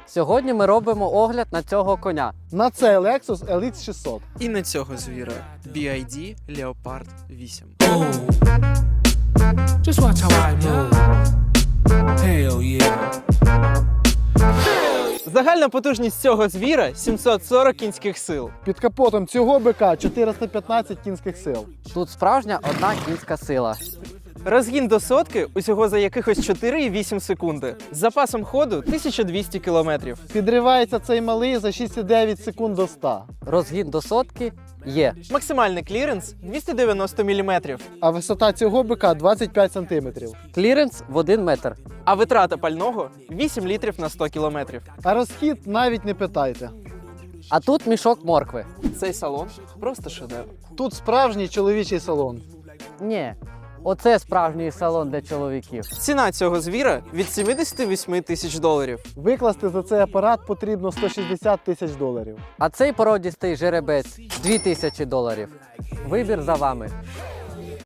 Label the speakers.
Speaker 1: Сьогодні ми робимо огляд на цього коня.
Speaker 2: На цей Lexus LX 600.
Speaker 3: І на цього звіра BYD Leopard 8.
Speaker 4: Just watch how I move. Hell yeah.
Speaker 3: Загальна потужність цього звіра 740 кінських сил.
Speaker 2: Під капотом цього бика 415 кінських сил.
Speaker 1: Тут справжня одна кінська сила.
Speaker 3: Розгін до сотки усього за якихось 4,8 секунди. З запасом ходу 1200 км.
Speaker 2: Підривається цей малий за 6,9 секунд до 100.
Speaker 1: Розгін до сотки є.
Speaker 3: Максимальний кліренс 290 мм.
Speaker 2: А висота цього бика 25 см.
Speaker 1: Кліренс в 1 метр.
Speaker 3: А витрата пального 8 літрів на 100 км.
Speaker 2: А розхід навіть не питайте.
Speaker 1: А тут мішок моркви.
Speaker 3: Цей салон просто шедевр.
Speaker 2: Тут справжній чоловічий салон.
Speaker 1: Ні, оце справжній салон для чоловіків.
Speaker 3: Ціна цього звіра від 78 тисяч доларів.
Speaker 2: Викласти за цей апарат потрібно 160 тисяч доларів.
Speaker 1: А цей породістий жеребець $2000. Вибір за вами.